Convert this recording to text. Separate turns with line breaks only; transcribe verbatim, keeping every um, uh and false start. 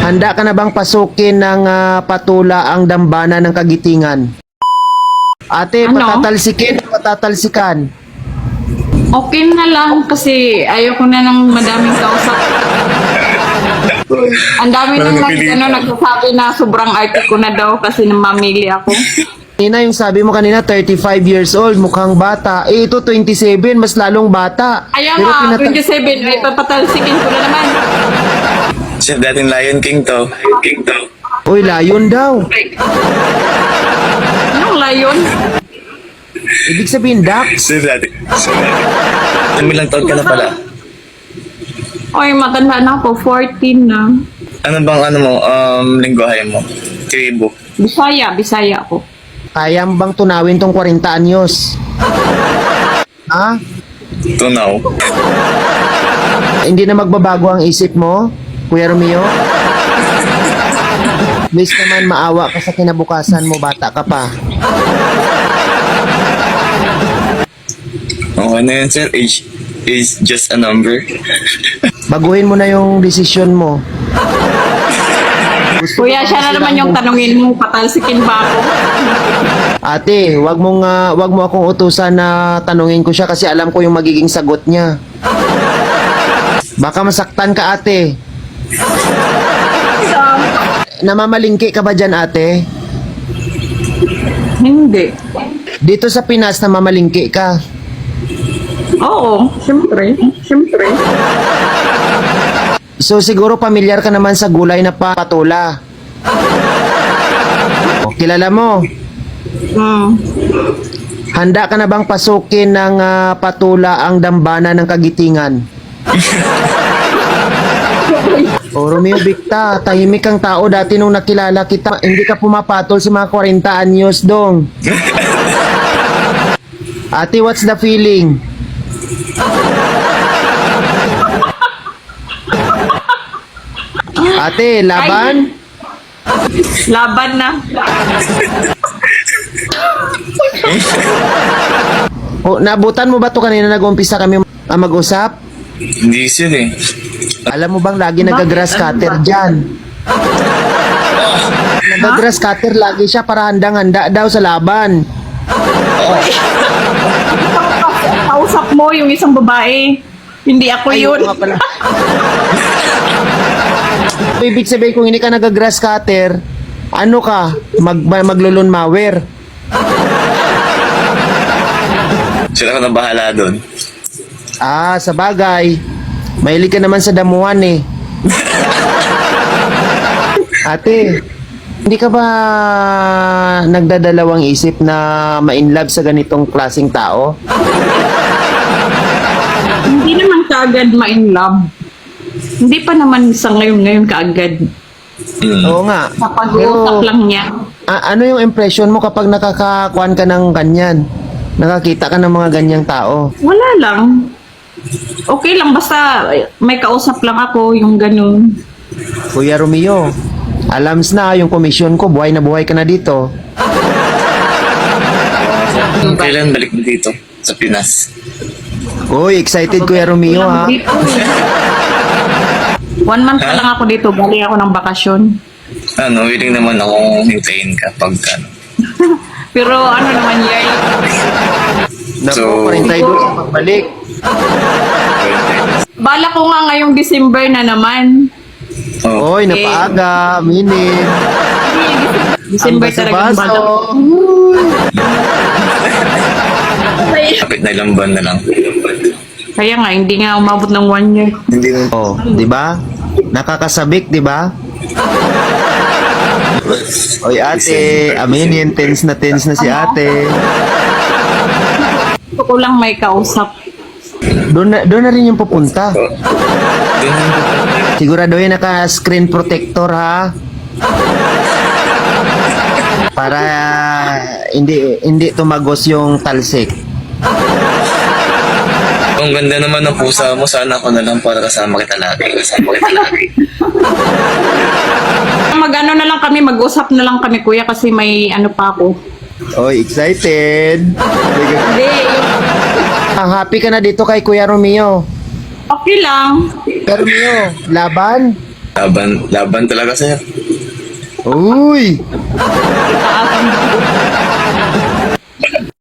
Handa ka na bang pasukin ng ah, patula ang dambana ng kagitingan? Ate,
Ano?
patatalsikin o patatalsikan?
Okay na lang kasi ayoko na ng madaming kausap. Ang dami nang nag, ano, nagsasabi na sobrang arte ko na daw kasi namamili ako.
Kanina yung sabi mo kanina, thirty-five years old, mukhang bata. Eh, ito twenty-seven, mas lalong bata.
Kaya
Pero
nga,
pinata-
twenty-seven, ay papatalsikin ko na naman.
Siya dating Lion King to. King to.
Uy, layon daw.
Anong layon?
Ibig sabihin, duck.
Siya dati. Ilang taon ka na pala?
Oy, matanda na ako, fourteen na.
Ano bang ano mo, um, lingwahe mo? Tribo.
Bisaya, Bisaya ako.
Kaya mo bang tunawin tong forty anyos? Ha?
Tunaw.
Hindi na magbabago ang isip mo, Kuya Romeo? Please naman, maawa ka sa kinabukasan mo, bata ka pa.
Okay na yun, sir. Age is just a number.
Baguhin mo na yung desisyon mo. Gusto
Kuya,
ko
siya
bang
na naman
silang
yung
mo-
tanungin mo, patalsikin ba ako?
Ate, wag mong ah, wag mo akong utusan na tanungin ko siya kasi alam ko yung magiging sagot niya. Baka masaktan ka, ate. Namamalingki ka ba dyan, ate?
Hindi.
Dito sa Pinas, namamalingki ka.
Oo, siyempre. Siyempre.
So siguro pamilyar ka naman sa gulay na pa- patula. O, kilala mo?
Hmm.
Handa ka na bang pasukin ng ah, patula ang dambana ng kagitingan? O Romeo Victa, tahimik kang tao dati nung nakilala kita. Hindi ka pumapatol sa mga forty anyos dong. Ate, what's the feeling? Ate, laban?
Laban na.
O, nabutan mo ba to kanina nag-umpisa kami ah, mag-usap?
Hindi sir eh.
Alam mo bang lagi nag-grass cutter dyan? Nag-grass cutter lagi siya para handang-handa daw sa laban.
Kausap mo yung isang babae. Hindi ako
Ay,
yun.
oo nga pala. So, ibig sabihin kung hindi ka nag-grass cutter, ano ka? Mag, maglulun mawer.
Sila ko na bahala doon.
Ah, sa bagay. Mahilig ka naman sa damuhan eh. Ate, hindi ka ba nagdadalawang isip na ma-inlove sa ganitong klaseng tao?
Hindi naman kaagad ma-in love. Hindi pa naman sa ngayon-ngayon kaagad.
Mm.
Oo nga.
Sa pag-uusap
Pero,
lang niya.
a- ano yung impression mo kapag nakakakuan ka ng ganyan? Nakakita ka ng mga ganyang tao?
Wala lang. Okay lang, basta may kausap lang ako, yung ganun.
Kuya Romeo, alams na yung komisyon ko, buhay na buhay ka na dito.
Kailan balik mo dito sa Pinas?
Uy, excited Kuya Romeo ha.
Dito. One month pa
Ha?
lang ako dito, galing ako ng bakasyon.
Ano, willing naman akong hintayin ka pag ano.
Pero ano naman yan,
Naku,
So-
pa rin tayo doon sa pagbalik.
bala ko nga ngayong December na naman.
Oh,
Uy, napaaga, minit.
December
Ang
talagang
baso-baso.
bala. Kaya,
kapit na ilang buwan na lang.
kaya nga, hindi nga umabot ng one year.
Hindi mo.
Oh, di ba? Nakakasabik, di ba? Oy ate, aminin, tense na tense na si ate.
Gusto ko lang may kausap.
Doon na, doon na rin yung pupunta.
Doon
Siguraduhin naka-screen protector ha. Para ah, hindi hindi tumagos yung talsik.
Ang ganda naman ng pusa mo, sana ako na lang para kasama kita lagi. Kasama kita lagi.
Mag-ano na lang kami, mag-usap na lang kami kuya kasi may ano pa ako.
Oy, excited.
Hindi, yung-
Ang happy ka na dito kay Kuya Romeo.
okay lang.
Kuya Romeo, laban?
Laban, laban talaga, sir.
Uy!
Taasang